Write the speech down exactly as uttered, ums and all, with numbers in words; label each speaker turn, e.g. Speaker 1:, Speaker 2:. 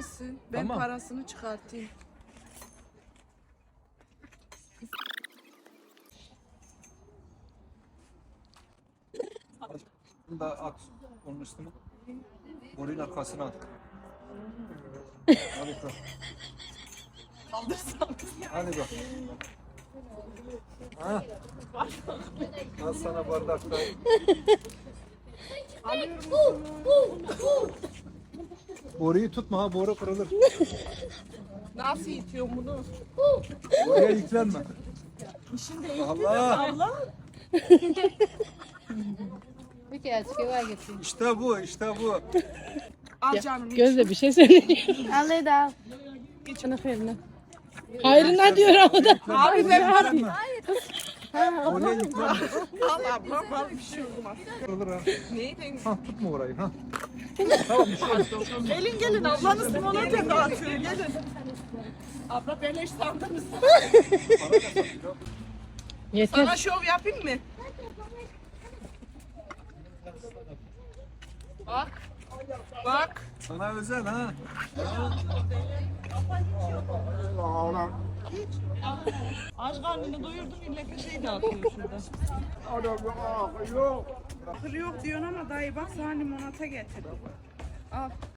Speaker 1: mısın? Ben
Speaker 2: Tamam.
Speaker 1: parasını çıkartayım.
Speaker 2: Bunu da at onun üstüne. Boruyun arkasına at. Hadi bak.
Speaker 1: Kaldırsam.
Speaker 2: Hadi bak. Ha? Al sana bardakta. Boruyu tutma ha, boru kırılır.
Speaker 1: Nasıl itiyorum bunu?
Speaker 2: Boruya yüklenme. Allah!
Speaker 1: Allah.
Speaker 3: Bir kere çıkıyor getir.
Speaker 2: İşte bu, işte bu.
Speaker 1: Al canım. iç.
Speaker 4: Gözde bir şey söylüyor.
Speaker 3: Al hadi al.
Speaker 4: Sana hayrına. Hayrına diyor ama da.
Speaker 1: Abi ben para.
Speaker 2: Boruya yüklenme.
Speaker 1: Al abla bana bir şey olmaz.
Speaker 2: Kırılır ha.
Speaker 1: Neyden?
Speaker 2: Ha, tutma orayı ha. Tamam, bir şey olmaz.
Speaker 1: Gelin gelin ablanız limonata dağıtıyor gelin. Abla beleş sandınız.
Speaker 4: Yeter.
Speaker 1: Sana şov yapayım mı? Bak. Bak.
Speaker 2: Sana özel ha.
Speaker 1: Aç karnını doyurdun illa bir şey dağıtıyor şurada. Kır yok diyorsun ama dayı bak sana limonata getirdim. Al.